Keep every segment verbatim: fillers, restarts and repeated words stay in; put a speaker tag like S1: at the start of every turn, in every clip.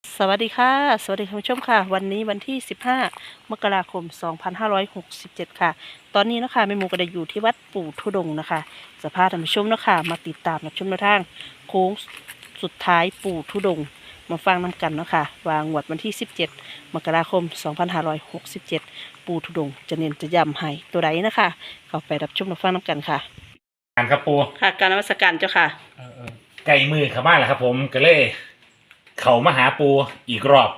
S1: สวัสดีค่ะสวัสดีคุณผู้ชมค่ะวันนี้วันที่สิบห้ามกราคมสองพันห้าร้อยหกสิบเจ็ดค่ะตอนนี้นะคะแม่หมูก็ได้อยู่ที่วัดปู่ทุดงค์นะคะสภาพท่านผู้ชมนะคะมาติดตามรับชมแนวทางโค้งสุดท้ายปู่ทุดงค์มาฟังนำกันเนาะค่ะวางวดวันที่สิบเจ็ดมกราคมสองพันห้าร้อยหกสิบเจ็ดปู่ทุดงค์จะเน้นจะย้ำให้ตัวใดนะคะเข้าไปรับชมรับฟังนำกันค่ะ
S2: การครับปู
S1: ค่ะการนมัสการเจ้าค่ะ
S2: เออเออไก่มือเข้ามาแล้วครับผมก็เลยเขามาหาปูอีกรอบ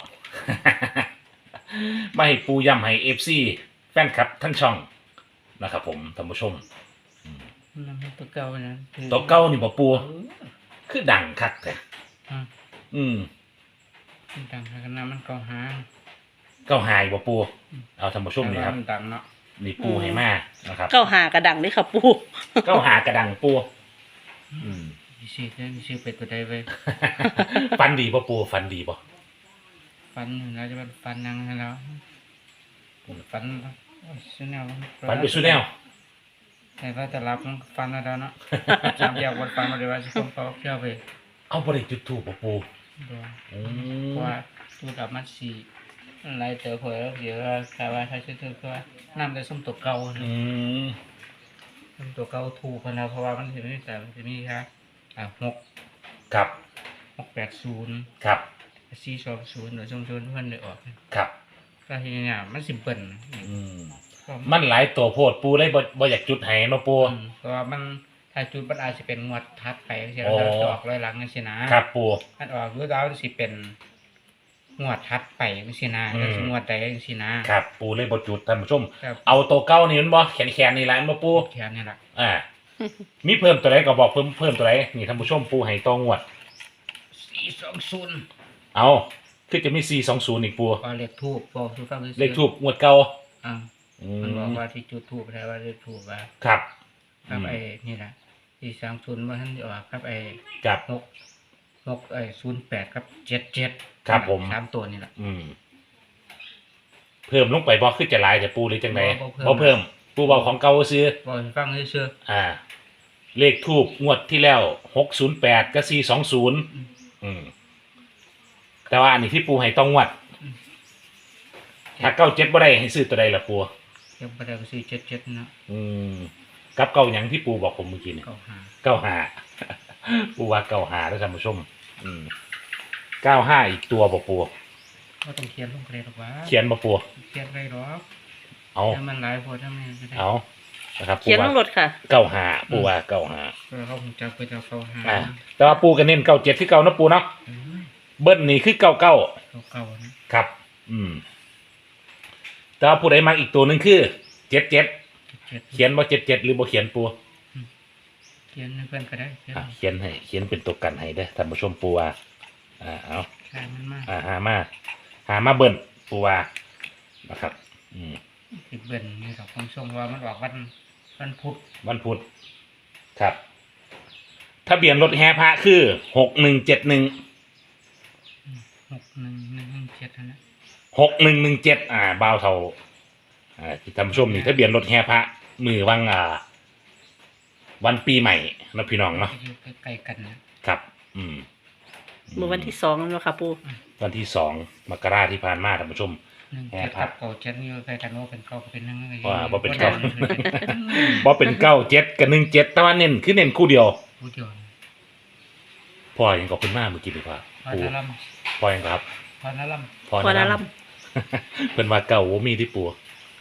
S2: มาให้ปูย้ำให้เอฟซีแฟนคลับทั้งช่องนะครับผมท่านผู้ชม
S3: มันเป็นตัวเก่านะคือ
S2: ตัวเก้านี่บ่ปู
S3: เออ
S2: คือดังคักแต่
S3: อ่ะ
S2: อืม
S3: มันดังขนาดนั้นมันเก่าหา
S2: เก้าหายบ่ปูเอาท่านผู้ชมนี่ครับ
S3: แต่ว่ามันดังเนาะ
S2: นี่ปูให้มานะครับ
S1: เก้าหากระดังเลยค่ะปู่
S2: เก้าหากระดังปูอืม
S3: มีชื่อได้มีชื่อเป็นตัวใดไว้
S2: ฟันดีบ่ปูฟันดีบ่
S3: ฟันเราจะเป็นฟันยังไงแล้วฟันสุแนว
S2: ฟันไปสุดแนว
S3: แต่ว่าจะรับมันฟันแล้วเนาะจำยาวกว่าฟันมาเลยว่าจะต้องเขาเชื่อไป
S2: เอาบ่ได้จุดถูกบ่ปู
S3: ดู
S2: อื
S3: เพ
S2: ม
S3: ราะว่าตัวกับมันสีอะไรเจอเผยแล้วเดี๋ยวใครว่าใครชื่อเธอคือว่าน้ำได้ส้มตัวเก่า
S2: อืม
S3: ส้มตัวเก่าถูกกันแล้วเพราะว่ามันจะมีแต่มันจะมีครับอ่าหก
S2: ครับ
S3: หกแปดศูนย์
S2: ครับ
S3: สี่สองศูนย์หรือชมชนเพื่อนเลยออก
S2: ครับ
S3: ก็ทีนี้มันสิบเปิล
S2: อืม
S3: ก็
S2: มันหลายตัวโพดปูเลยบ่บ่อยากจุดให้เนาะปู
S3: อืมเพราะว่ามันถ้าจุดมันอาจจะเป็นงวดทัดไปใช่ไหมครับจะออกร้อยหลังนี่สินะครับ
S2: ปู
S3: มันออกรู้แล้วสิเป็นงวดทัดไปนี่สินะ
S2: อืม
S3: แล้วสิงวดใดนี่สินะครับ
S2: ปูเลยบ่จุดท่านผู้ชม
S3: ครับ
S2: เอาตัวเก้านี่มันบ่แขนๆนี่แหละมันบ่ปู
S3: แค่นี้แหละ
S2: อ่า มีเพิ่มตัวใดก็บอกเพิ่มเพิ่มตัวใดนี่ท่านผู้ชมปูให้ต่องวด
S3: สี่สองศูนย์
S2: เอาคือจะมีสี่สองศูนย์อีกปู
S3: ก็เลขทูบบอกทุกฟัง
S2: เลขทูบงวดเก่า
S3: อ่า
S2: อื
S3: มันบอก
S2: ม
S3: ว่าที่จุดทูบแปลว่าเลขทูบว่า
S2: ครับ
S3: ครับ
S2: อืม
S3: ไอ้นี่แหละสี่สองศูนย์ว่าท่านออกครับไอ้
S2: ครับ
S3: หกหกไอ้ศูนย์แปดครับเจ็ดเจ็ด
S2: ครับผม
S3: สามตัวนี่แหละ
S2: อืม เพิ่มลงไปบ่คือจะหลายแต่ปูหรือจังได
S3: บ่บ่
S2: บ่
S3: เพิ่
S2: เพิ่ม
S3: ม
S2: ปูบอกของเก่าซื้อ
S3: บอกให้ฟังเชื่อ
S2: อ่า เลขทูบงวดที่แล้วหกศูนย์แปดกับสี่สองศูนย์อืม แต่ว่าอันนี้ที่ปูให้ต้องงวด ถ้าเก้าเจ็ดบ่ได้ให้ซื้อตัวใดล่ะปู
S3: ๆยังประเดี๋ยวซื้อเจ็ดเจ็ดนะ
S2: อืม กับเก้าหยังที่ปูบอกผมเมื่อกี้เนี่ย
S3: เก้าหา
S2: เก้าห้า ปูว่าเก้าห้าแล้วท่านผู้ชม อืมเก้าห้าอีกตัวบ่ปู
S3: ก็ต้องเขียนลงเลยหรอกวะ
S2: เขียนบ่ปู
S3: เขียนไรหรอก
S2: เอา
S3: ถ้ามันหลายพอถ้ามันจะได้
S2: เอานะครับปู
S1: เขียน
S2: ว่า
S1: ทั้งรถค่ะ
S2: เก้าห้าปูว่าเก้าห้า
S3: เออเขาคงจะไปจะเก้าหา
S2: อ่า แต่ว่าปูก็เน้นเก้าเจ็ดที่เก้านะปูเนาะ
S3: เออ
S2: เบิ้ลนี่คือเก้าเก้า
S3: เก้าเก้านะครับ
S2: อืม แต่ว่าผู้ใดมาอีกตัวหนึ่งคือเจ็ดเจ็ด
S3: เจ็ด
S2: เขียนว่าเจ็ดเจ็ดหรือบ่เขียนปู
S3: เขียนให้เพื่อนก็ได้เขียน
S2: อ่ะเขียนให้เขียนเป็นตัวกันให้ได้อท่านผู้ชมปูว่าอ่าเอา
S3: ใช่มันมาก
S2: อ่าหามาหามาเบิ้ลปูว่านะครับ อืม
S3: สิบเบิร์นนี่ดอกผมส่งว่ามันออกวันวันพุธ
S2: วันพุธครับทะเบียนรถแห่พระคือหกหนึ่งเจ็ดหนึ่ง
S3: หกหนึ่งหนึ่งหนึ่งเจ็ดนะ
S2: หกหนึ่งหนึ่งเจ็ดอ่าบ่าวเท่าอ่าที่ท่านผู้ชมนี่ทะเบียนรถแห่พระมือวังอ่า วันปีใหม่นะพี่น้องเนาะ
S3: อยู่ใกล้ๆกันนะ
S2: ครับ อืม
S1: เมื่อวันที่สองแล้วค่ะปู่
S2: วันที่สองมกราที่ผ่านมาท่านผู้ชม
S3: หนึ่ง
S2: แห่
S3: เจ็ด
S2: ครั
S3: กับ บเก้าเจ็ดนี่ใกล้กันว่าเป็นเก้าก็เป็นหนึ่งอะไรอย่าง
S2: ว่า
S3: งี้
S2: บ่เป็นเก้า
S3: บ่ได้
S2: บ่เป็นเก้าเจ็ดกับหนึ่งเจ็ดแต่ว่าเน้นคือเน้นคู่เดียว
S3: ผู้เดียว
S2: พ่อยังก็เป็นมาเมื่อกี้ดีกว่า
S3: พอ
S2: ปู
S3: นาลัม
S2: พ่อยังก็ครับ
S3: พอนาลัม
S2: พ่อ
S1: พอนา
S2: นะ
S1: ลัม
S2: เพิ่นว่าเก่าว่ามีที่ปู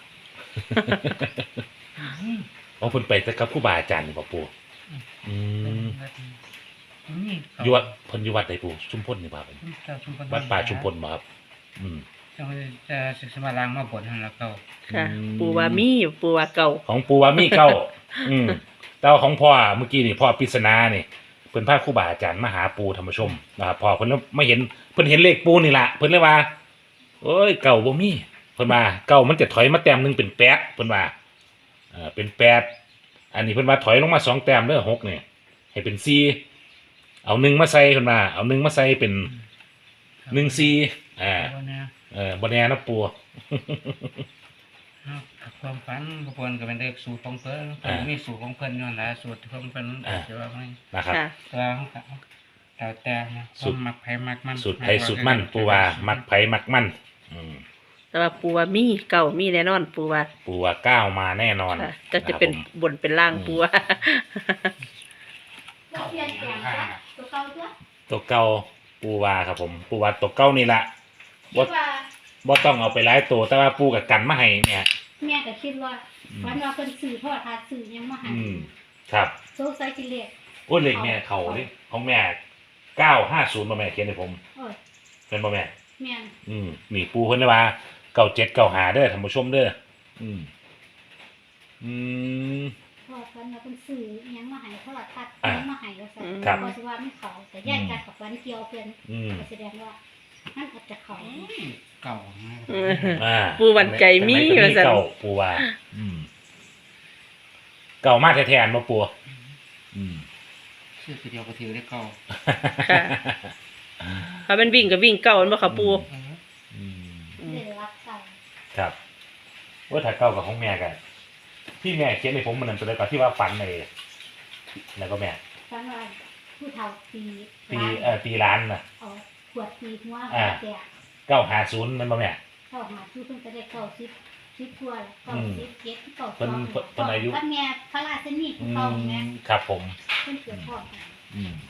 S2: อ๋อเพิ่นไปแต่กับครูบาอาจารย์นี่บ่ปูอืมอยู่วัดเพิ่นอยู่วัดใดปูชุมพลนี่บ่ครับผมวัดป่าชุมพลบ่ครับ อืม
S3: จะจะศึกษามาล้างมาบนทางแล้วเก่า
S1: ค่ะ
S2: อืม
S1: ปู่ว่ามีปู่ว่าเก่า
S2: ของปูว่ามีเก้า อืมแต่ว่าของพ่อเมื่อกี้นี่พ่อปริศนานี่เพิ่นพาครูบาอาจารย์มาหาปูธรรมชมนะครับพ่อเพิ่นไม่เห็นเพิ่นเห็นเลขปูนี่ล่ะเพิ่นเลยว่าโอ้ยเก่าบ่มีเพิ่นว่าเก่ามันจะถอยมาแต้มหนึงเป็นแปดเพิ่นว่าเอ่าเป็นแปดอันนี้เพิ่นว่าถอยลงมาสองแต้มเด้อหกนี่ให้เป็นสี่เอาหนึ่งมาใส่เพิ่นว่าเอาหนึ่งมาใส่เป็นหนึ่งสี่อ่า
S3: วันนี้
S2: เออบ่แน่นะปู
S3: ความฝันกระบวนก็เป็นเลขสูตรของเพิ่นมีสูตรของเพิ่นนั่นแหละสูตรของเพิ่นจะว่าไม่
S2: นะครับ
S1: ค่ะ
S3: ตัวของเขาแล้วแต่นะ
S2: สุด
S3: มักไผมักมัน
S2: สูตรไผสูตรมันปูว่ามักไผมักมันอืม
S1: แต่ว่าปูว่ามีเก่ามีแน่นอนปูว่า
S2: ปูว่าก้าวมาแน่นอน
S1: ค่ะจะจะเป็น
S2: ครับผม
S1: บนเป็นล่างปูว่า
S4: เราเปลี่ยนแปลงจ้ะตัวเก่าจ้ะ
S2: ตัวเก่าปูว่าครับผมปูว่าตัวเก่านี่ละ
S4: คิดว่า
S2: บ่ต้องเอาไปหลายตัวแต่ว่าปูกับกันมาให้เนี่ย
S4: แม่ก็คิดว่า
S2: อืม
S4: วันว่าเพิ่นซื้อทอดทาซื้อยังมาให้
S2: อืมครับ
S4: โซไซกิเลส
S2: โอ้ยเลขแม่เขานี่ของแม่เก้าห้าศูนย์บ่แม่เขียนให้ผม
S4: โอ้ย
S2: เป็นบ่แม่
S4: แม่น
S2: อืมนี่ปูเพิ่นได้ว่าเก้าเจ็ดเก้าหาเด้อท่านผู้ชมเด้ออืมอืม
S4: ทอดวันว่าเพิ่นซื้อยังมาให้ทอดทัด
S2: อ่ะ
S4: ยังมาให้ว่าซั่น
S2: ครับ
S4: บ่สิว่าไม่เขาแต่แยกกันกับวันเกี่ยวเพิ่น
S2: อืม
S4: ก็แสดงว่ามันอาจจะเขา
S3: เก่านะ
S1: อืม
S2: อ่า
S1: ปูหวั่นใจมี
S2: จังไหนก็
S1: ว่าซั่น
S2: เก่าปูว่า อืม เก่ามากแท้ๆอันบ่ปูอืม
S3: ชื่อตัวเดียวก็ถือได้เก่า
S1: ค่ะถ้าเป็นวิ่งก็วิ่งเก่ามันบ่ค่ะปู
S3: เออ
S2: อืม
S4: เดือรักเก่า
S2: ครับว่าถ้าเก่ากับของแม่กันที่แม่เขียนในผมมันนั่นตัวใดก่อนที่ว่าฝันเลยแล้วก็แม่
S4: ฟันว่าผู้เฒ่าตี
S2: ตีเอ่อตีร้านน่ะ
S4: เอาขวดตีหัว
S2: อ่า
S4: แตก
S2: เก้าหาศูนย์มันบ่แม่
S4: เข้าหาชื่อเพิ่นก็ได้เก้าสิบสิบทั่วแล้วเก้า
S2: อืม
S4: สิบเจ็ดเก้าส
S2: เพิ่
S4: อน ง
S2: เพิ่นเพิ่นอายุ
S4: วัดแม่พระราชนี
S2: อื
S4: เก่าม แม่
S2: ครับผม
S4: เพิ่นเกิดพ่อกัน
S2: อืม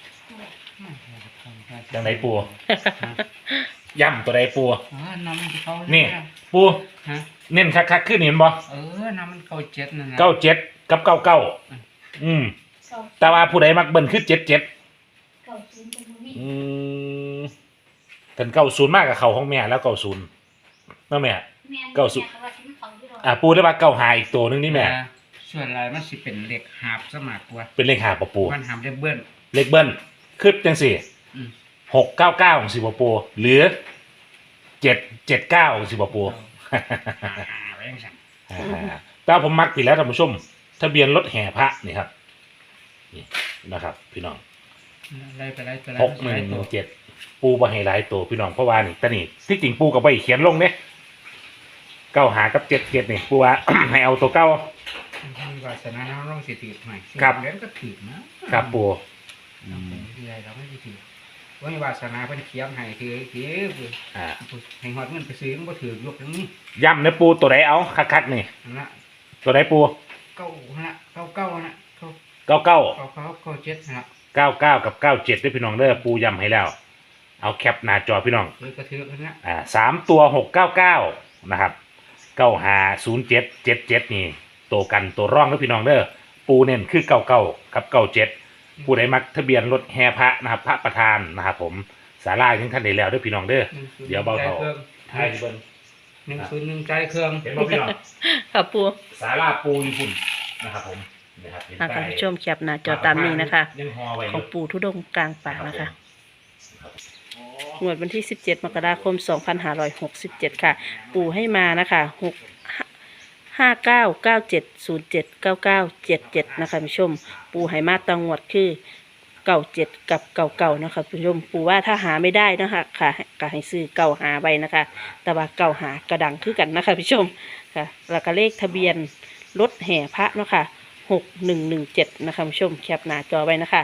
S3: จั
S2: จังไหนปูย่ำตัวใดปู
S3: อ๋อน้ำมันที่เขา
S2: นี่ ปู
S3: ฮะ
S2: เน้นคักๆขึ้นเห็นบ่
S3: เออน้ำมันเก่าเจ็ดนั่นนะ
S2: เก้าเจ็ดกับเก้าเก้าอืม
S4: เก้า
S2: แต่ว่าผู้ใดมักเบิ่นคือเจ็ดเจ็ด
S4: เก้าศูนย์เป็นบ่มี
S2: อืมกันเก้าศูนย์มากกับเขาของแม่แล้วเก้าศูนย์นั่นแม่
S4: แม่น
S2: เก้าสิบ
S4: แม่ว่าสิมันเขาอยู่ดอก
S2: อ่าปูได้ว่าเก้าหาอีกตัวหนึงนี่แม่
S3: อ่าส่วนลายมันสิเป็นเหล็กหาบสมัครกว่า
S2: เป็นเลขหาปะปู
S3: มันหามได้เบิ้ล
S2: เลขเบิ้ลคือจังสี่
S3: อืม
S2: หกเก้าเก้าของสิบปูหรือเจ็ดเจ็ดเก้าของสิบปู
S3: หาหาไว้ยังไง
S2: อ่าแต่ผมมักผิดแล้วท่านผู้ชม ทะเบียนรถแห่พระนี่ครับนี่นะครับ พี่น้อง
S3: ไล่ไปไล่ไปไล่
S2: หกหนึ่งหนึ่งเจ็ดปูบะให้หลายตัวพี่น้องเพราะว่านี่แต่นี่ที่จริงปูกับใบเขียนลงเนี่ยเก้าหากับเจ็ดเจ็ดนี่ปูว่า ให้เอาตัวเก้า
S3: มีวาสนาเราต้องสิถือหน่อย
S2: ครับ
S3: เล่นก็ถือนะครับ
S2: ปู
S3: อืมที่ไรเราไม่ได้ถือว่ามีวาสนาเพิ่นเขียนให้ถือถือ
S2: อ่า
S3: ให้หอดเงินไปซื้อมันก็ถือยกตรงนี้
S2: ย่ำเนื้อปูตัวไหนเอาคักๆนี่
S3: นั่นละ
S2: ตัวไหนปู
S3: เก้าฮะเก้าเก้านะเก้า
S2: เก้าเก้า
S3: เก้าเก้าเก้าเจ็ดนะ
S2: เก้าเก้ากับเก้าเจ็ดด้วยพี่น้องเด้อปูย้ำให้แล้ว เอาแคปหน้าจอพี่น้อง
S3: ถือกระถือกันนะ
S2: อ่าสามตัวหกเก้าเก้านะครับเก้าหาศูนย์เจ็ดเจ็ดเจ็ดนี่ตัวกันตัวร่องด้วยพี่น้องเด้อปูเน้นคือเก้าเก้ากับเก้าเจ็ดผู้ใดมักทะเบียนรถแห่พระนะครับพระประธานนะครับผมสาราถึงขั้นใดแล้วด้วยพี่น้องเด้อ เดี๋ยวเบาเถา ท้ายที่เบิ้ล
S3: หนึ่งศูนย์หนึ่งใจเครื่อง
S2: เห็นบ่พี่น้อง
S1: ค่ะปู
S2: สาราปูญี่ปุ่นนะครับผมนะครับเห็น
S1: อ่ะ
S2: ป้า
S1: ท่าน
S2: ย
S1: ผู้ชมแคปหน้าจอตามนี้นะคะ
S2: ยังฮอไว้อ
S1: ของ
S2: ยู่
S1: ปู่ทุดงค์กลางป่านะคะ
S2: ครับ
S1: งวดวันที่สิบเจ็ดมกราคมสองพันห้าร้อยหกสิบเจ็ดค่ะ ปู่ให้มานะคะหกห้าเก้าเก้าเจ็ดศูนย์เจ็ดเก้าเก้าเจ็ดเจ็ดนะคะผู้ชม ปู่ให้มาตังงวดคือเก่าเจ็ดกับเก่าเก่านะคะผู้ชม ปู่ว่าถ้าหาไม่ได้นะคะค่ะก็ให้ซื้อเก่าหาไว้นะคะ แต่ว่าเก่าหากระดังคือกันนะคะผู้ชมค่ะแล้วก็เลขทะเบียนรถแห่พระเนาะค่ะหกหนึ่งหนึ่งเจ็ดนะคะผู้ชมแคปหน้าจอไว้นะคะ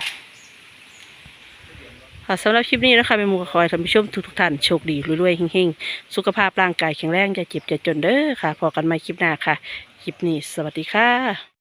S1: ค่ะสำหรับคลิปนี้นะคะแม่หมูก็ขอให้ท่านผู้ชมทุกๆท่านโชคดีรวยๆเฮงๆ สุขภาพร่างกายแข็งแรงจะเจ็บจะจนเด้อค่ะพอกันใหม่คลิปหน้าค่ะ คลิปนี้สวัสดีค่ะ